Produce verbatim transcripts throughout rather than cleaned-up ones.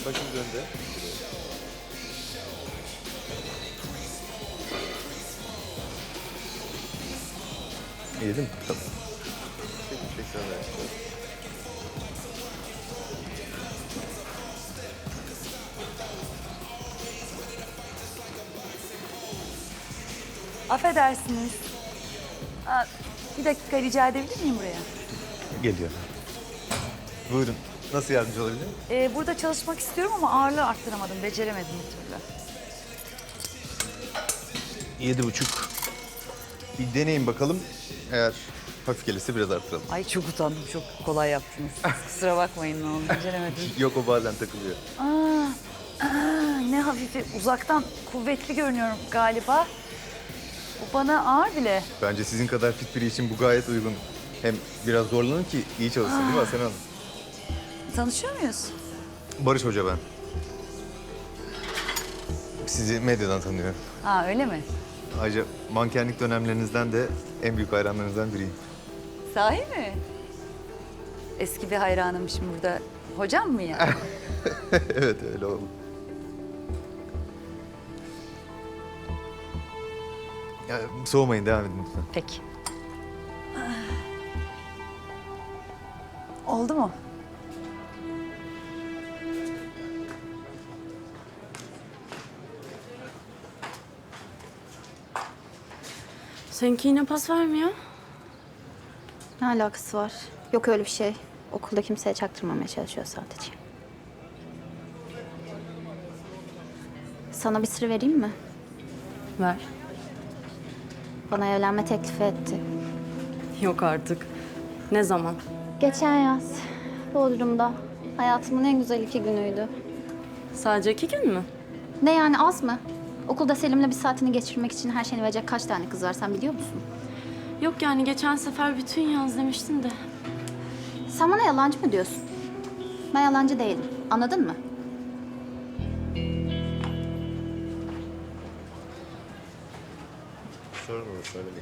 Başımız önde. Yedim mi? Tamam. Peki, tekrarlar. Affedersiniz. Aa, bir dakika rica edebilir miyim buraya? Geliyor. Buyurun. Nasıl yardımcı olabilirim? Ee, burada çalışmak istiyorum ama ağırlığı arttıramadım, beceremedim bir türlü. Yedi buçuk. Bir deneyin bakalım. Eğer hafif gelirse biraz arttıralım. Ay çok utandım, çok kolay yaptınız. Kusura bakmayın ne oldu, beceremedim. Yok, o bazen takılıyor. Aa, aa, ne hafifi, uzaktan kuvvetli görünüyorum galiba. Bu bana ağır bile. Bence sizin kadar fit biri için bu gayet uygun. Hem biraz zorlanın ki iyi çalışsın değil mi Asena Hanım? Tanışıyor muyuz? Barış Hoca ben. Sizi medyadan tanıyorum. Ha öyle mi? Ayrıca mankenlik dönemlerinizden de en büyük hayranlarınızdan biriyim. Sahi mi? Eski bir hayranımmışım burada. Hocam mı ya? Evet, öyle oldu. Ya, soğumayın, devam edin lütfen. Peki. Oldu mu? Seninki yine pas vermiyor. Ne alakası var? Yok öyle bir şey. Okulda kimseye çaktırmamaya çalışıyor sadece. Sana bir sır vereyim mi? Ver. Bana evlenme teklifi etti. Yok artık. Ne zaman? Geçen yaz Bodrum'da. Hayatımın en güzel iki günüydü. Sadece iki gün mü? Ne yani, az mı? Okulda Selim'le bir saatini geçirmek için her şeyini verecek kaç tane kız var sen biliyor musun? Yok yani geçen sefer bütün yaz demiştin de. Sen bana yalancı mı diyorsun? Ben yalancı değilim. Anladın mı? Sorun olur, söylemeyin.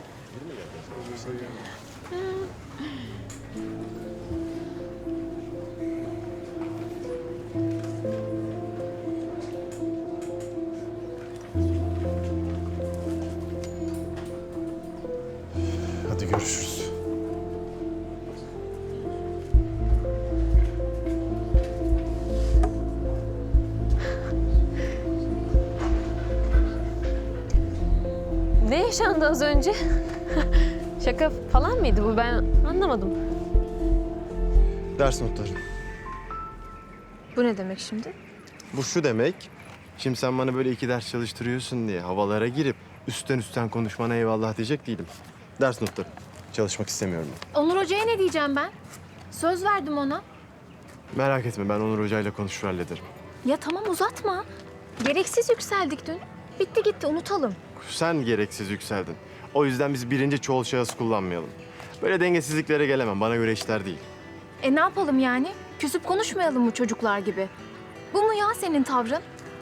Hadi görüşürüz. Ne yaşandı az önce? Şaka falan mıydı bu? Ben anlamadım. Ders notları. Bu ne demek şimdi? Bu şu demek, şimdi sen bana böyle iki ders çalıştırıyorsun diye havalara girip üstten üstten konuşmana eyvallah diyecek değilim. Ders notları. Çalışmak istemiyorum ben. Onur Hoca'ya ne diyeceğim ben? Söz verdim ona. Merak etme, ben Onur Hoca'yla konuşur hallederim. Ya tamam uzatma. Gereksiz yükseldik dün. Bitti gitti unutalım. Sen gereksiz yükseldin. O yüzden biz birinci çoğul şahıs kullanmayalım. Böyle dengesizliklere gelemem, bana göre işler değil. E ne yapalım yani? Küsüp konuşmayalım mı çocuklar gibi? Bu mu ya senin tavrın?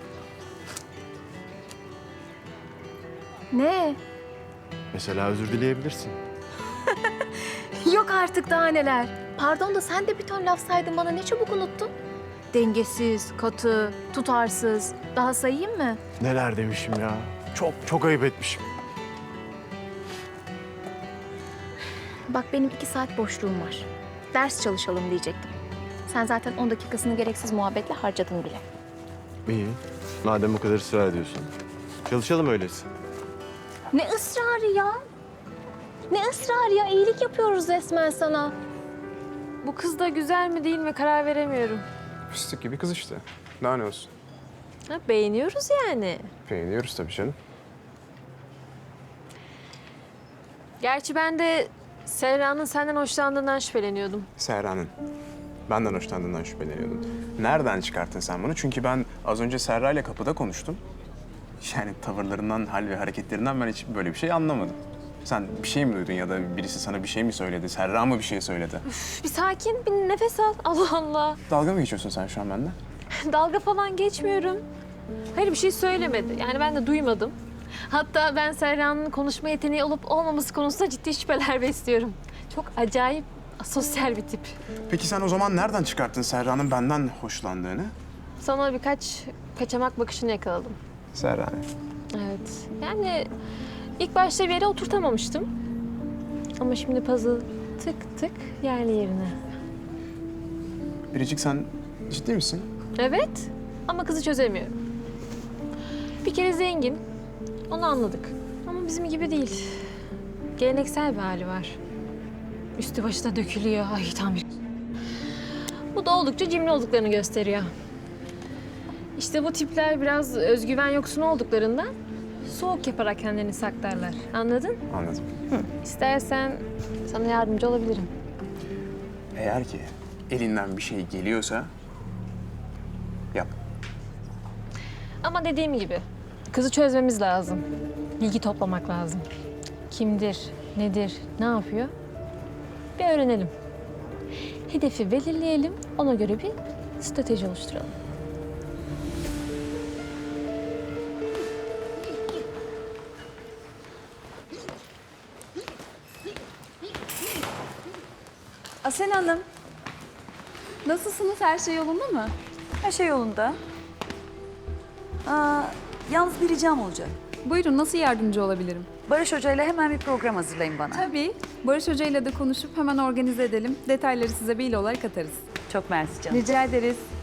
Ne? Mesela özür dileyebilirsin. Yok artık daha neler. Pardon da sen de bir ton laf saydın bana ne çabuk unuttun. Dengesiz, katı, tutarsız. Daha sayayım mı? Neler demişim ya. Çok çok ayıp etmişim. Bak benim iki saat boşluğum var. Ders çalışalım diyecektim. Sen zaten on dakikasını gereksiz muhabbetle harcadın bile. İyi. Madem bu kadar ısrar ediyorsun. Çalışalım öyleyse. Ne ısrarı ya? Ne ısrarı ya? İyilik yapıyoruz resmen sana. Bu kız da güzel mi değil mi karar veremiyorum. Fıstık gibi kız işte. Daha ne olsun? Ha, beğeniyoruz yani. Beğeniyoruz tabii canım. Gerçi ben de Serra'nın senden hoşlandığından şüpheleniyordum. Serra'nın. Benden hoşlandığından şüpheleniyordun. Nereden çıkarttın sen bunu? Çünkü ben az önce Serra ile kapıda konuştum. Yani tavırlarından, hal ve hareketlerinden ben hiç böyle bir şey anlamadım. Sen bir şey mi duydun ya da birisi sana bir şey mi söyledi? Serra mı bir şey söyledi? Bir sakin, bir nefes al. Allah Allah. Dalga mı geçiyorsun sen şu an benimle? Dalga falan geçmiyorum. Hayır bir şey söylemedi. Yani ben de duymadım. Hatta ben Serra'nın konuşma yeteneği olup olmaması konusunda ciddi şüpheler besliyorum. Çok acayip asosyal bir tip. Peki sen o zaman nereden çıkarttın Serra'nın benden hoşlandığını? sana birkaç kaçamak bakışını yakaladım. Serra. Evet. Yani ilk başta bir yere oturtamamıştım. Ama şimdi puzzle tık tık yerli yerine. Biricik sen ciddi misin? Evet ama kızı çözemiyorum. Bir kere zengin, onu anladık. Ama bizim gibi değil. Geleneksel bir hali var. Üstü başı da dökülüyor. Ay tam bir... Bu da oldukça cimri olduklarını gösteriyor. İşte bu tipler biraz özgüven yoksunu olduklarından soğuk yaparak kendini saklarlar. Anladın? Anladım. İstersen sana yardımcı olabilirim. Eğer ki elinden bir şey geliyorsa yap. Ama dediğim gibi kızı çözmemiz lazım. Bilgi toplamak lazım. Kimdir, nedir, ne yapıyor? Bir öğrenelim. Hedefi belirleyelim, ona göre bir strateji oluşturalım. Asel Hanım, Nasılsınız? Her şey yolunda mı? her şey yolunda. Aa, yalnız bir ricam olacak. Buyurun, nasıl yardımcı olabilirim? Barış Hoca ile hemen bir program hazırlayın bana. Tabii. Barış Hoca ile de konuşup hemen organize edelim. Detayları size mail olarak atarız. Çok mersi canım. Rica ederiz.